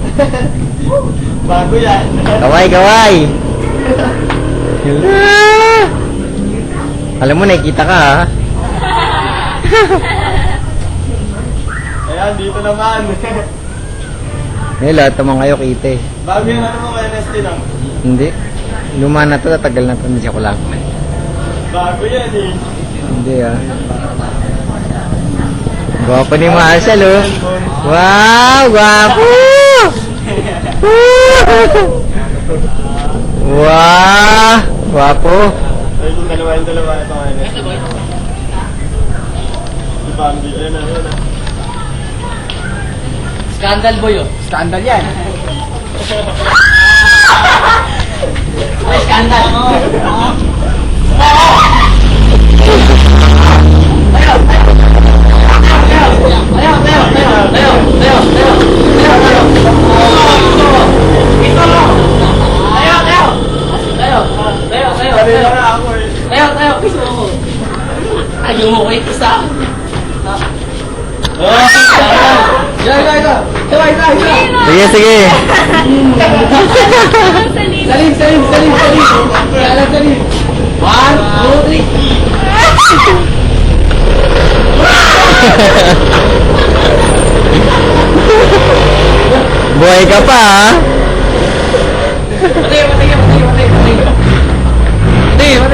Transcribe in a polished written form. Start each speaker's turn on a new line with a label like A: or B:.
A: Bago yan.
B: Kaway, kaway. Alam mo, nakikita ka ha.
A: Ayan, dito naman.
B: Ngayon, lahat naman kayo kita eh.
A: Bago yan, ano mo NST lang?
B: Hindi. Luma na to, tatagal na to. Hindi siya ko lang.
A: Bago yan eh.
B: Hindi ah. Gwapo ni Marshall oh. Wow, gwapo! Wow, gwapo.
A: Ay, yung dalawa ito NST. Si Bambi, ayun na, ayun na.
C: Scandal boy oh.
A: Scandal yan.
C: Ay, scandal.
A: Kanina na ako eh.
C: Ayaw mo ko isa.
B: Sige, sige.
C: Salim. 1, 2, 3.
B: Buhay ka pa ha.